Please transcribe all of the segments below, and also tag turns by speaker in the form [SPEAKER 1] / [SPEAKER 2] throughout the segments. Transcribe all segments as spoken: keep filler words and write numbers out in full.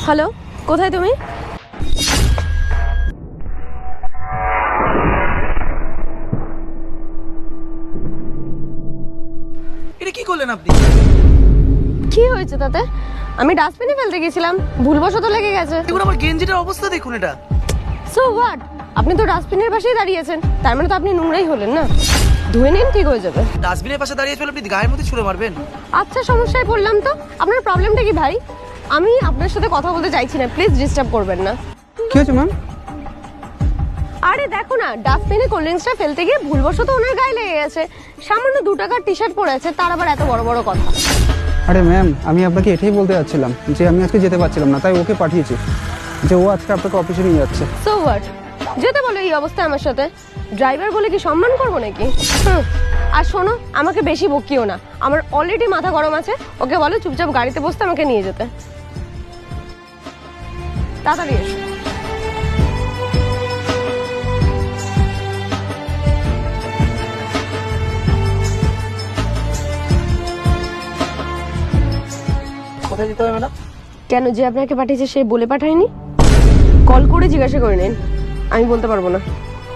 [SPEAKER 1] Hello, কোথায় তুমি?
[SPEAKER 2] এটা কি করলেন আপনি?
[SPEAKER 1] কি হয়েছে তাতে? আমি ডাস্টবিনে ফেলতে গেছিলাম, ভুলবশত লেগে গেছে।
[SPEAKER 2] দেখুন আমার গেঞ্জিটার অবস্থা দেখুন এটা।
[SPEAKER 1] So what? আপনি তো ডাস্টবিনের পাশেই দাঁড়িয়েছেন, তার মানে তো আপনি নোংরাই হলেন না। ধুয়ে নিন, ঠিক হয়ে যাবে।
[SPEAKER 2] ডাস্টবিনের পাশে দাঁড়িয়ে চলে আপনি গায়ের মধ্যে ছুঁড়ে মারবেন?
[SPEAKER 1] আচ্ছা, সমস্যায় পড়লাম তো। আপনার প্রবলেমটা কি ভাই? আমি আপনার সাথে কথা বলতে চাইছি না, প্লিজ ডিস্টার্ব করবেন না।
[SPEAKER 3] কি হয়েছে ম্যাম?
[SPEAKER 1] আরে দেখো না, ডাস্টবিনে কোল্ড ড্রিঙ্কসটা ফেলতে গিয়ে ভুলবশত ওনার গায়ে লেগে গেছে। সামান্য দু টাকার টি শার্ট পরে আছে, তার আবার এত বড় বড় কথা।
[SPEAKER 3] আরে ম্যাম, আমি আপনাকে এটাই বলতে যাচ্ছিলাম যে আমি আজকে যেতে পারছিলাম না, তাই ওকে পাঠিয়েছি যে ও আজকে আপনাকে অফিসে নিয়ে যাচ্ছে।
[SPEAKER 1] So what? যেতে বলো এই অবস্থায় আমার সাথে? ড্রাইভার বলে কি সম্মান করবো নাকি? হুম। আর শোনো, আমাকে বেশি বকিও না, আমার অলরেডি মাথা গরম আছে। ওকে বলো চুপচাপ গাড়িতে বসতে, আমাকে নিয়ে যেতে। তাড়াতাড়ি এসো।
[SPEAKER 2] কোথায় যেতে হবে ম্যাডাম?
[SPEAKER 1] কেন, যে আপনাকে পাঠিয়েছে সে বলে পাঠায়নি? কল করে জিজ্ঞাসা করে নিন, আমি বলতে পারবো না।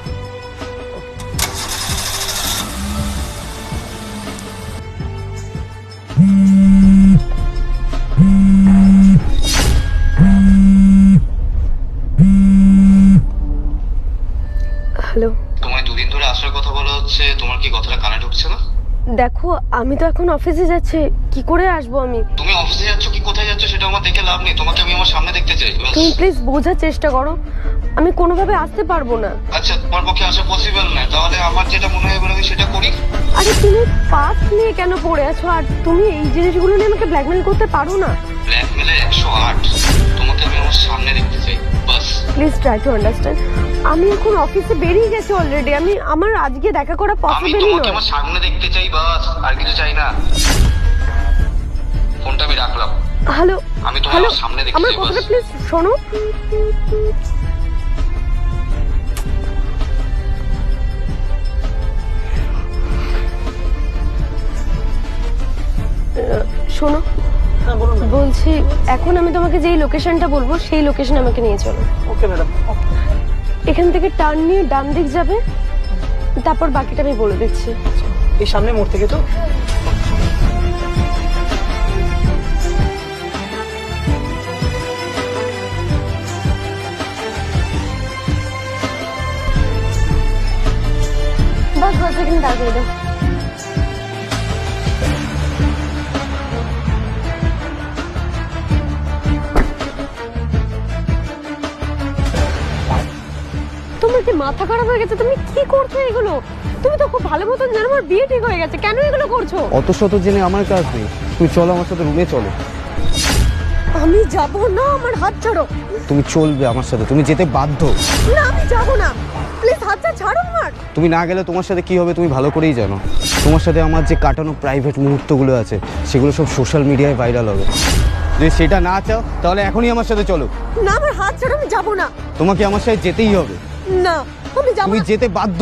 [SPEAKER 1] হ্যালো,
[SPEAKER 4] তোমায় দুদিন ধরে আসার কথা বলা হচ্ছে, তোমার কি কথাটা কানে ঢুকছে না?
[SPEAKER 1] দেখো আমি তো এখন অফিসে যাচ্ছি, কি করে আসবো আমি?
[SPEAKER 4] তুমি অফিসে যাচ্ছ কি কোথায় যাচ্ছ সেটা আমার দেখে লাভ নেই, তোমাকে আমি আমার সামনে দেখতে চাই। ব্যাস।
[SPEAKER 1] তুমি প্লিজ বোঝার চেষ্টা করো, আমি কোনোভাবে আসতে পারবো না।
[SPEAKER 4] আচ্ছা, তোমার পক্ষে আসা পসিবল না, তাহলে আমার যেটা মনে হয় এবার আমি সেটা করি।
[SPEAKER 1] আরে তুমি পাস নিয়ে কেন পড়ে আছো? আর তুমি এই জিনিসগুলো নিয়ে আমাকে ব্ল্যাকমেল করতে পারো না।
[SPEAKER 4] ব্ল্যাকমেলে একশো আট, তোমাকে আমি আমার সামনে দেখতে চাই, বাস।
[SPEAKER 1] Please try to understand. আমি এখন অফিসে বেরিয়ে গেছি অলরেডি, আমি আমার আজকে দেখা করা
[SPEAKER 4] আমি
[SPEAKER 1] পসিবলই
[SPEAKER 4] তোমাকে
[SPEAKER 1] নয়।
[SPEAKER 4] আমার সামনে দেখতে চাই, বাস, আর কিছু চাই না। ফোনটা আমি রাখলাম।
[SPEAKER 1] হ্যালো,
[SPEAKER 4] আমি তোমার
[SPEAKER 1] হ্যালো,
[SPEAKER 4] সামনে দেখতে
[SPEAKER 1] আমার
[SPEAKER 4] চাই,
[SPEAKER 1] কথাটা
[SPEAKER 4] বাস।
[SPEAKER 1] প্লিজ শোনো। আহ, শোনো,
[SPEAKER 2] হ্যাঁ বলুন।
[SPEAKER 1] বলছি এখন আমি তোমাকে যেই লোকেশনটা বলবো সেই লোকেশনে আমাকে নিয়ে চলো।
[SPEAKER 2] Okay madam.
[SPEAKER 1] এখান থেকে টার্ন নিয়ে ডান দিক যাবে, তারপর বাকিটা আমি বলে দিচ্ছি।
[SPEAKER 2] এই সামনে মোড় থেকে তো?
[SPEAKER 1] বাস বাস, এখানে দাঁড় করে দাও। তোমার কি মাথা খারাপ হয়ে গেছে? তুমি কি করছো এগুলো? তুমি তো খুব ভালো মতন জানো আমার বিয়ে ঠিক হয়ে গেছে, কেন এগুলো করছো?
[SPEAKER 3] অত শত জেনে আমার কাজ নেই, তুমি চলো আমার সাথে রুমে চলো।
[SPEAKER 1] আমি যাব না, আমার হাত ছাড়ো।
[SPEAKER 3] তুমি চলবে আমার সাথে, তুমি যেতে বাধ্য।
[SPEAKER 1] না, আমি যাব না, প্লিজ হাতটা ছাড়ো আমার।
[SPEAKER 3] তুমি না গেলে তোমার সাথে কি হবে তুমি ভালো করেই জানো। তোমার সাথে আমার যে কাটানো প্রাইভেট মুহূর্তগুলো আছে সেগুলো সব সোশ্যাল মিডিয়ায় ভাইরাল হবে। যদি সেটা না চাও তাহলে এখনই আমার সাথে চলো।
[SPEAKER 1] না, আমার হাত ছাড়ো, আমি যাব না।
[SPEAKER 3] তোমাকে আমার সাথে যেতেই হবে,
[SPEAKER 1] না, আমি যাব
[SPEAKER 3] তুমি
[SPEAKER 1] না।
[SPEAKER 3] যেতে বাধ্য।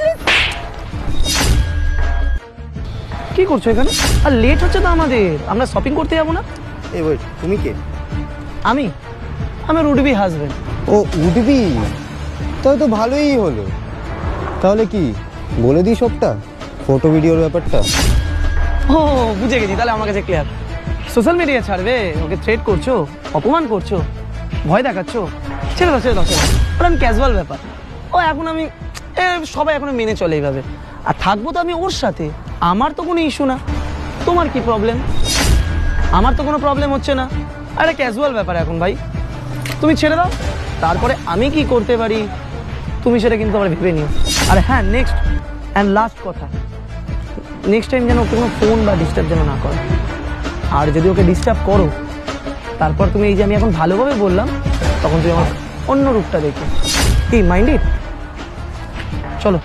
[SPEAKER 2] কি করছো এখানে? আর লেট হচ্ছে তো আমাদের, আমরা শপিং করতে যাবো না?
[SPEAKER 3] এই ওয়েট, তুমি কে?
[SPEAKER 2] আমি আমার উডবি হাজবেন্ড।
[SPEAKER 3] ও উঠবি, তাহলে তো ভালোই হলো। তাহলে কি বলে দিই সবটা, ফটো ভিডিওর ব্যাপারটা?
[SPEAKER 2] ও বুঝে গেছি, তাহলে আমার কাছে ক্লিয়ার। সোশ্যাল মিডিয়া ছাড়বে, ওকে থ্রেট করছো, অপমান করছো, ভয় দেখাচ্ছো। ছেড়ে দাও ছেড়ে দাও ছেড়ে দাও, ওটা আমি ক্যাজুয়াল ব্যাপার। ও এখন আমি এ, সবাই এখন মেনে চলে এইভাবে, আর থাকবো তো আমি ওর সাথে। আমার তো কোনো ইস্যু না, তোমার কি প্রবলেম? আমার তো কোনো প্রবলেম হচ্ছে না, আরে ক্যাজুয়াল ব্যাপার এখন ভাই, তুমি ছেড়ে দাও। তারপরে আমি কি করতে পারি তুমি সেটা কিন্তু আবার ভেবে নিও। আর হ্যাঁ, নেক্সট অ্যান্ড লাস্ট কথা, নেক্সট টাইম যেন ওকে কোনো ফোন বা ডিস্টার্ব যেন না করো। আর যদি ওকে ডিস্টার্ব করো, তারপর তুমি এই যে আমি এখন ভালোভাবে বললাম, তখন তুমি আমার অন্য রূপটা দেখো। কি মাইন্ডেড? চলো।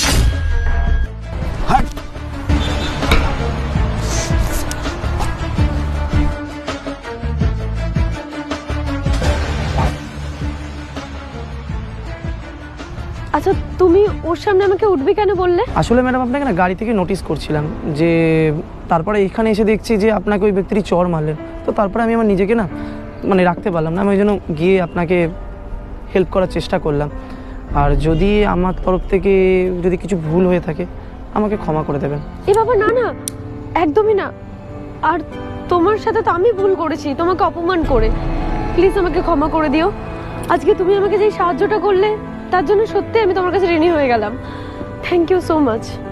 [SPEAKER 2] হাট।
[SPEAKER 1] আচ্ছা, তুমি ওর সামনে আমাকে উঠবি কেন বললে?
[SPEAKER 2] আসলে ম্যাডাম আপনাকে না গাড়ি থেকে নোটিস করছিলাম যে, তারপরে এখানে এসে দেখছি যে আপনাকে ওই ব্যক্তিটি চড় মারলেন, তো তারপরে আমি আমার নিজেকে না মানে রাখতে পারলাম না, আমি ওই জন্য গিয়ে আপনাকে হেল্প করার চেষ্টা করলাম। আর যদি আমার তরফ থেকে যদি কিছু ভুল হয়ে থাকে আমাকে ক্ষমা করে দেবেন।
[SPEAKER 1] এ বাবা না না, একদমই না। আর তোমার সাথে তো আমি ভুল করেছি তোমাকে অপমান করে, প্লিজ আমাকে ক্ষমা করে দিও। আজকে তুমি আমাকে যে সাহায্যটা করলে তার জন্য সত্যি আমি তোমার কাছে ঋণী হয়ে গেলাম। Thank you so much.